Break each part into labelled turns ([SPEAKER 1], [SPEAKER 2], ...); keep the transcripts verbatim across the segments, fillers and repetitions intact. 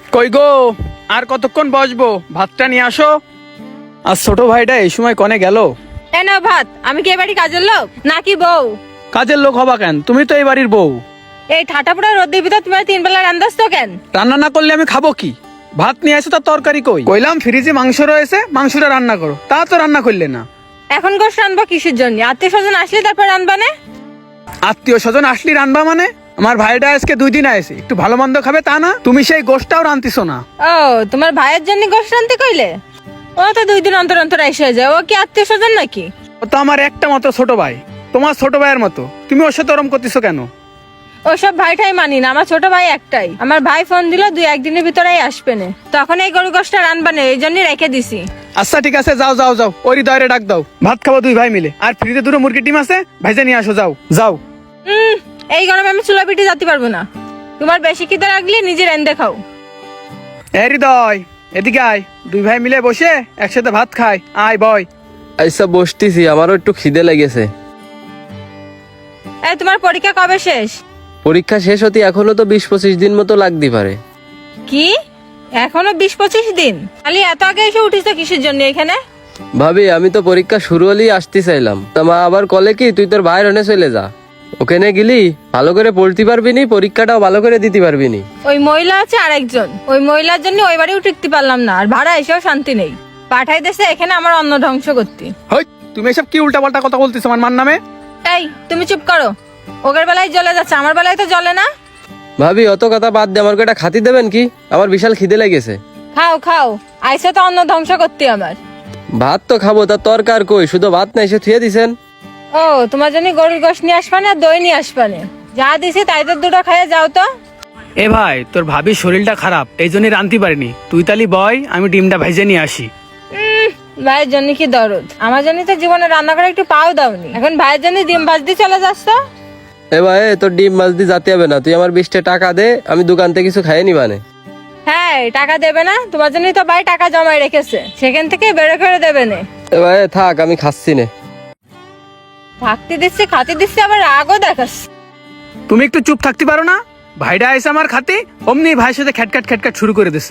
[SPEAKER 1] কই গো, আর কতক্ষণ বসবো? ভাতটা নিয়ে আসো। আর ছোট ভাইটা এই সময় কনে গেল?
[SPEAKER 2] এ নাও ভাত। আমি কি এবারই কাজের লোক নাকি বউ?
[SPEAKER 1] কাজের লোক হবা কেন? তুমি তো এই বাড়ির বউ।
[SPEAKER 2] এই ঠাটাপুরা রোদের ভিতর তুমি তিন বেলা রান্দাস তো কেন?
[SPEAKER 1] রান্না না করলে আমি খাবো কি? ভাত নিয়ে আসো, তার তরকারি কই? কইলাম ফ্রিজে মাংস রয়েছে, মাংসটা রান্না করো, তা তো রান্না করলে না।
[SPEAKER 2] এখন গোশ রানবো কিসের জন্য? আত্মীয় স্বজন আসলে তারপর রানবা না?
[SPEAKER 1] আত্মীয় স্বজন আসলি রানবা মানে? আমার ভাইটা আজকে দুই দিন আসে, একটু ভালো মন্দ খাবে তা না? তুমি সেই গোশটাও রান্তিছো না।
[SPEAKER 2] ও, তোমার ভাইয়ের জন্য গোশ রানতে কইলে? ও তো দুই দিন অন্তর অন্তর এসে যায়। ও কি আত্মীয় স্বজন নাকি?
[SPEAKER 1] ও তো আমার একটা মতো ছোট ভাই, তোমার ছোট ভাইয়ের মতো। তুমি ওর সাথে ওরম করতেছো কেন?
[SPEAKER 2] ওসব ভাইটাই মানি না। আমার ছোট ভাই একটাই। আমার ভাই ফোন দিল দুই একদিনের ভিতরেই আসবে না, তখন এই গরু গোশটা রানবা না, এই জন্যই রেখে দিছি।
[SPEAKER 1] আচ্ছা ঠিক আছে, যাও যাও যাও, ওই হৃদয়ের ডাক দাও, ভাত খাবো দুই ভাই মিলে। আর ফ্রিজে দুটো মুরগির ডিম আছে, ভাইজা নিয়ে আসো, যাও যাও।
[SPEAKER 2] উম এই গরমে আমি চুলা পিঠে যেতে পারবো না। তোমার বেশি খিদে লাগলে নিজে রেন্দে খাও।
[SPEAKER 1] এ হৃদয়, এদিকে আয়, দুই ভাই মিলে বসে একসাথে ভাত খাই। আয় বয়।
[SPEAKER 3] আচ্ছা বসতেছি, আমারও একটু খিদে লেগেছে।
[SPEAKER 2] এই তোমার পরীক্ষা কবে শেষ?
[SPEAKER 3] পরীক্ষা শেষ হতে এখনো তো বিশ পঁচিশ দিন মতো লাগতে পারে।
[SPEAKER 2] কি এখনো বিশ পঁচিশ দিন? খালি এত আগে এসে উঠিস কিসের জন্য এখানে?
[SPEAKER 3] ভাবি আমি তো পরীক্ষা শুরু হলেই আসতে চাইলাম, তা মা আবার কলে কি তুই তোর ভাইয়ের হনে চলে যা, ওখানে গেলি ভালো করে পড়তে পারবি নি, পরীক্ষাটাও ভালো করে দিতে পারবি নি।
[SPEAKER 2] ওই মহিলা আছে আরেকজন, ওই মহিলার জন্য ওই বাড়িও টিকতে পারলাম না, আর ভাড়া এসেও শান্তি নেই। পাঠাই দেশে এখানে আমার অন্ন ধ্বংস করতে।
[SPEAKER 1] হই, তুমি এসব কি উল্টা পাল্টা কথা বলতেছো আমার মান নামে?
[SPEAKER 2] এই তুমি চুপ করো। ওগের বেলায় জ্বলে যাচ্ছে, আমার বেলায় তো জ্বলে না।
[SPEAKER 3] ভাবি অত কথা বাদ দিয়ে আমার কয়টা খাতি দেবেন কি? আমার বিশাল খিদে লেগেছে।
[SPEAKER 2] খাও খাও, আইসে তো অন্ন ধ্বংস করতে আমার।
[SPEAKER 3] ভাত তো খাবো, তা তরকার কই? শুধু ভাত না এসে থুয়ে দিছেন।
[SPEAKER 2] ও, তোমার জন্য গরুর গোশ নিয়ে আসবা না, দই নিয়ে আসবা না? যা দিছি তাই তো দুটো খাইয়ে যাও তো।
[SPEAKER 1] এ ভাই, তোর ভাবির শরীরটা খারাপ, এই জন্যই রানতে পারিনি। তুই তালি বয়, আমি ডিমটা ভেজে নিয়ে আসি।
[SPEAKER 2] উম, ভাইয়ের জন্য কি দরদ? আমার জন্য তো জীবনে রান্না করে একটু পাও দাওনি, এখন ভাইয়ের জন্য ডিম ভাজতে চলে যাস তো?
[SPEAKER 3] এ ভাই তোর ডিম মাছ দিয়ে যাতে হবে না, তুই আমার বিশটা টাকা দে, আমি দোকান থেকে কিছু খাইয়ে নিবানে।
[SPEAKER 2] হ্যাঁ, টাকা দেবে না? তোমার জন্যই তো ভাই টাকা জমায় রেখেছে, সেখান থেকে বের করে দেবে না।
[SPEAKER 3] এ ভাই থাক, আমি খাচ্ছি না।
[SPEAKER 2] থাকতে দিচ্ছে, খাতে দিচ্ছে, আবার রাগও দেখাস।
[SPEAKER 1] তুমি একটু চুপ থাকতে পারো না? ভাইটা আইসে আমার খাতে, অমনি ভাইয়ের সাথে খ্যাটখ্যাট খ্যাটখ্যাট শুরু করে দিছে।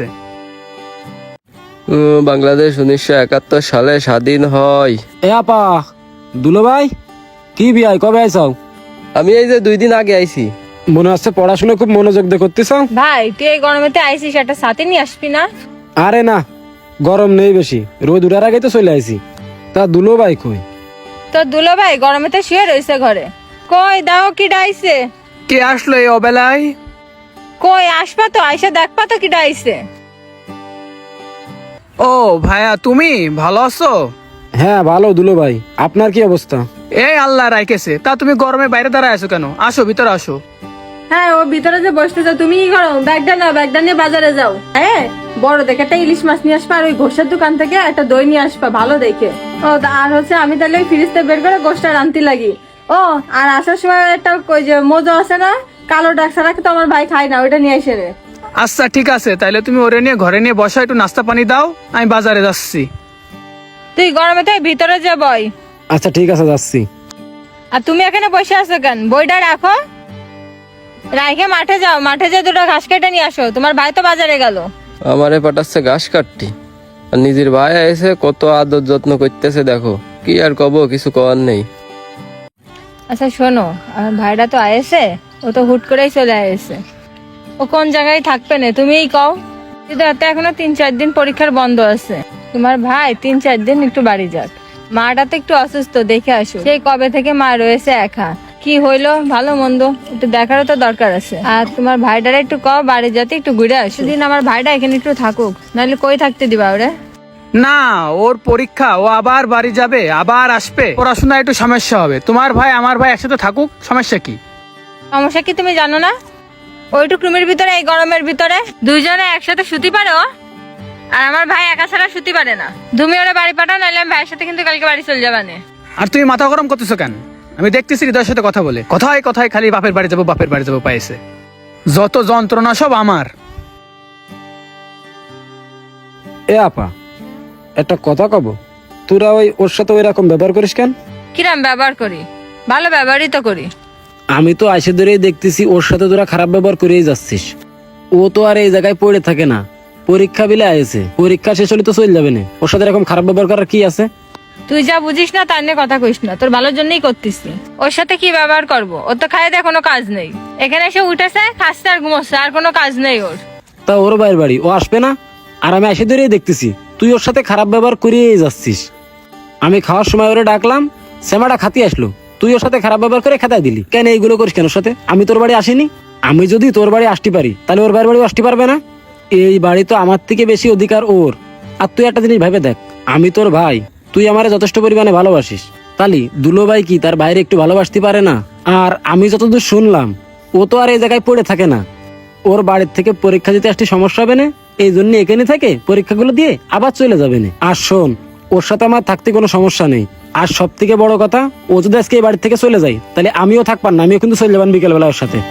[SPEAKER 3] উম, বাংলাদেশ উনিশশো একাত্তর সালে স্বাধীন হয়।
[SPEAKER 4] এ আপা, দুলো ভাই, কি বিয়াই কবে আইসাও?
[SPEAKER 3] আমি এই যে দুই দিন আগে আইছি।
[SPEAKER 4] মনে হচ্ছে পড়াশোনা খুব মনোযোগ দিয়ে করতেছ।
[SPEAKER 2] ভাই তুই এই গরমেতে আইসিস, একটা সাথে নিয়ে আসবি না?
[SPEAKER 4] আরে না, গরম নেই বেশি, রোদ উঠার আগে তো চলে আইছি। তা দুলো ভাই কই?
[SPEAKER 2] তোর দুলো ভাই গরমেতে শুয়ে রয়েছে ঘরে। কই দাও, কি ডাইছে?
[SPEAKER 1] কে আসলো এই অবেলায়?
[SPEAKER 2] কই আসবা তো, আইসা দেখবা তো কি ডাইছে।
[SPEAKER 1] ও ভাইয়া, তুমি ভালো আছো?
[SPEAKER 4] হ্যাঁ ভালো দুলো ভাই, আপনার কি অবস্থা?
[SPEAKER 1] এই আল্লাহ রাইকেছে। তা তুমি গরমে বাইরে দাঁড়ায় আছো কেন? আসো ভিতরে আসো।
[SPEAKER 2] হ্যাঁ, ও ভিতরে যে বসতেছো, তুমি কি করো? ব্যাগটা নাও, ব্যাগটা নিয়ে বাজারে যাও। হ্যাঁ, বড় দেখে একটা ইলিশ মাছ নিয়ে আসবা, আর ওই ঘোষের দোকান থেকে একটা দই নিয়ে আসবা ভালো দেখে। ও, আর হচ্ছে আমি তাহলে ওই ফ্রিজতে বের করে গোশটা রান্তি লাগি। ও, আর আসার সময় একটা ওই যে মোজো আছে না, কালো ডাক ছাড়া তো আমার ভাই খায় না, ওইটা নিয়ে এসে রে।
[SPEAKER 1] আচ্ছা ঠিক আছে, তাইলে তুমি ওরে নিয়ে ঘরে নিয়ে বসো, একটু নাস্তা পানি দাও, আমি বাজারে যাচ্ছি।
[SPEAKER 2] তুই গরমে তাই ভিতরে যা বই।
[SPEAKER 4] আচ্ছা ঠিক আছে, যাচ্ছি।
[SPEAKER 2] আর তুমি এখানে বসে আছো কেন? বইটা রাখো, রাইখে মাঠে যাও, মাঠে যা দুটো ঘাস কেটে নিয়ে আসো, তোমার ভাই তো বাজারে গেল।
[SPEAKER 3] আমারে পাঠাচ্ছে ঘাস কাটতি, আর নিজের ভাই এসে কত আদর যত্ন করতেছে দেখো। কি আর কব, কিছু করার নেই।
[SPEAKER 2] আচ্ছা শোনো, আমার ভাইটা তো আয়েছে, ও তো হুট করেই চলে আয়েছে। ও কোন জায়গায় থাকবে না তুমিই কও। কিন্তু এত এখনো তিন চার দিন পরীক্ষার বন্ধ আছে। তোমার ভাই তিন চার দিন একটু বাড়ি যাক। মাটা তো একটু অসুস্থ, দেখে আসো। সেই কবে থেকে মা রয়েছে একা, কি হইলো ভালো মন্দ একটু দেখারও তো দরকার আছে। আর তোমার ভাইটারে একটু কও বাড়ি যাতে একটু ঘুরে আসো দিন, আমার ভাইটা এখানে একটু থাকুক, নাহলে কই থাকতে দিবা ওরে?
[SPEAKER 1] না, ওর পরীক্ষা, ও আবার বাড়ি যাবে, আবার আসবে, পড়াশোনা একটু সমস্যা হবে। তোমার ভাই আমার ভাই একসাথে থাকুক, সমস্যা কি?
[SPEAKER 2] সমস্যা কি তুমি জানো না? ওইটুক রুমের ভিতরে এই গরমের ভিতরে দুইজনে একসাথে শুতে পারো, আর আমার ভাই একা ছাড়া শুতে পারে না। তুমি ওরা বাড়ি পাঠাও, নাহলে আমি ভাইয়ের সাথে কিন্তু কালকে বাড়ি চলে যাবা না।
[SPEAKER 1] আর তুমি মাথা গরম করতেছো কেন? আমি দেখতেছি হৃদয়ের সাথে কথা বলে, কথায় কথায় খালি বাপের বাড়ি যাবো বাপের বাড়ি যাবো পাইছে। যত যন্ত্রণা সব আমার।
[SPEAKER 4] এ আপা, একটা কথা কব, তোরা ওই ওর সাথে ওই রকম ব্যবহার করিস কেন?
[SPEAKER 2] কিরাম ব্যবহার করি? ভালো ব্যবহারই তো করি।
[SPEAKER 4] আমি তো আইসে ধরেই দেখতেছি ওর সাথে তোরা খারাপ ব্যবহার করেই যাচ্ছিস। ও তো আর এই জায়গায় পড়ে থাকে না, পরীক্ষা বিলে আয়েছে, পরীক্ষা শেষ হলে তো চলে যাবে না। ওর সাথে এরকম খারাপ ব্যবহার করার কি আছে?
[SPEAKER 2] তুই যা বুঝিস না তার নিয়ে কথা কইস না, তোর ভালোর জন্যই করতেছি। ওর সাথে কি ব্যবহার করবো? ওর তো খাই দেয় কোনো কাজ নেই, এখানে এসে উঠেছে খাচ্ছে আর ঘুমোচ্ছে, আর কোনো কাজ নেই ওর।
[SPEAKER 4] তা ওর বাইরের বাড়ি, ও আসবে না? আর আমি এসে ধরেই দেখতেছি তুই ওর সাথে খারাপ ব্যবহার করিয়েই যাচ্ছিস। আমি খাওয়ার সময় ওরে ডাকলাম, সেমাটা খাতি আসলো, তুই ওর সাথে খারাপ ব্যবহার করে খেতাই দিলি। কেন এইগুলো করিস কেন ওর সাথে? আমি তোর বাড়ি আসিনি? আমি যদি তোর বাড়ি আসতে পারি তাহলে ওর বাইরের বাড়ি আসতে পারবে না? এই বাড়ি তো আমার থেকে বেশি অধিকার ওর। আর তুই একটা জিনিস ভেবে দেখ, আমি তোর ভাই, তুই আমারে যথেষ্ট পরিমাণে ভালোবাসিস, তালি দুলো ভাই কি তার বাইরে একটু ভালোবাসতে পারে না? আর আমি যতদূর শুনলাম ও তো আর এই জায়গায় পড়ে থাকে না, ওর বাড়ির থেকে পরীক্ষা দিতে আসতে সমস্যা হবে না, এই জন্য এখানে থাকে পরীক্ষাগুলো দিয়ে আবার চলে যাবে না। আর শোন, ওর সাথে আমার থাকতে কোনো সমস্যা নেই। আর সব থেকে বড় কথা, ও যদি আজকে এই বাড়ি থেকে চলে যায় তাহলে আমিও থাকবার না, আমিও কিন্তু চলে যাবেন বিকেলবেলা ওর সাথে।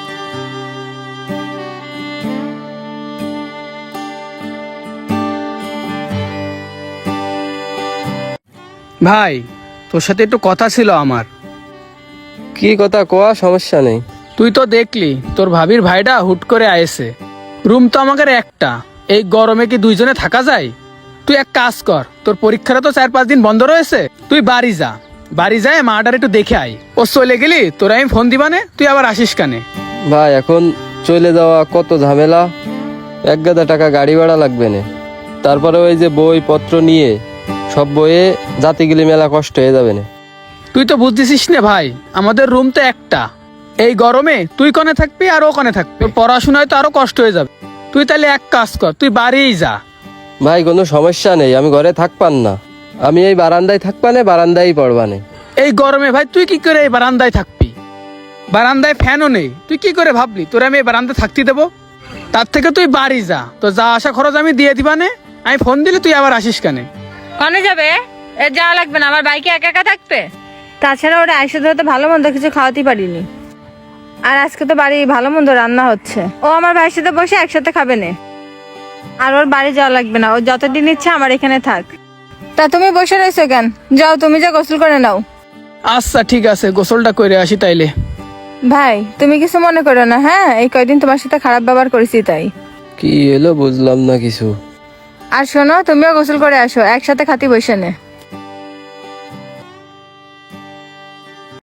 [SPEAKER 1] ভাই, তোর সাথে একটু কথা ছিল আমার।
[SPEAKER 3] কি কথা কোয়া, সমস্যা নেই।
[SPEAKER 1] তুই তো দেখলি তোর ভাবির ভাইটা হুট করে আয়েছে। রুম তো আমাদের একটা, এই গরমে কি দুইজনে থাকা যায়? তুই এক কাজ কর, তোর পরীক্ষাটা তো চার পাঁচ দিন বন্ধ রয়েছে, তুই বাড়ি যা, বাড়ি যায় মাটার একটু দেখে আয়। ও চলে গেলি তোরা আমি ফোন দিবানে, তুই আবার আসিস কানে।
[SPEAKER 3] ভাই এখন চলে যাওয়া কত ঝামেলা, এক গাদা টাকা গাড়ি ভাড়া লাগবে না, তারপরে ওই যে বই পত্র নিয়ে সব বইয়ে জাতি গেলে মেলা কষ্ট হয়ে যাবে না।
[SPEAKER 1] তুই তো বুঝতেছিস না ভাই, আমাদের রুম তো একটা, এই গরমে তুই কনে থাকবি আর ও কনে থাকবি, তোর পড়াশোনায় তো আরো কষ্ট হয়ে যাবে। তুই তাহলে এক কাজ কর, তুই বাড়িই যা।
[SPEAKER 3] ভাই কোনো সমস্যা নেই, আমি ঘরে থাকপান না, আমি এই বারান্দায় থাকবানে, বারান্দায় পড়বানে।
[SPEAKER 1] এই গরমে ভাই তুই কি করে এই বারান্দায় থাকবি? বারান্দায় ফ্যানও নেই, তুই কি করে ভাবলি তোরা আমি এই বারান্দায় থাকতে দেবো? তার থেকে তুই বাড়ি যা, তো যা আসা খরচ আমি দিয়ে দিবানে, আমি ফোন দিলে তুই আবার আসিস কানে।
[SPEAKER 2] কনে যাবে? এর যাওয়া লাগবে না, আমার বাইকে একা একা থাকবে। তাছাড়া ওরা আইসে ধরে তো ভালো মন্দ কিছু খাওয়াতে পারিনি, আর আজকে তো বাড়ি ভালো মন্দ রান্না হচ্ছে, ও আমার ভাইয়ের সাথে বসে একসাথে খাবে না। আর ওর বাড়ি যাওয়া লাগবে না, ও যতদিন ইচ্ছা আমার এখানে থাক। তা তুমি বসে রয়েছো কেন? যাও, তুমি যা গোসল করে নাও।
[SPEAKER 1] আচ্ছা ঠিক আছে, গোসলটা করে আসি তাইলে।
[SPEAKER 2] ভাই তুমি কিছু মনে করো না, হ্যাঁ? এই কয়দিন তোমার সাথে খারাপ ব্যবহার করেছি তাই।
[SPEAKER 3] কি এলো বুঝলাম না কিছু।
[SPEAKER 2] আর শোনো, তুমিও গোসল করে আসো, একসাথে খাতি বসে নে।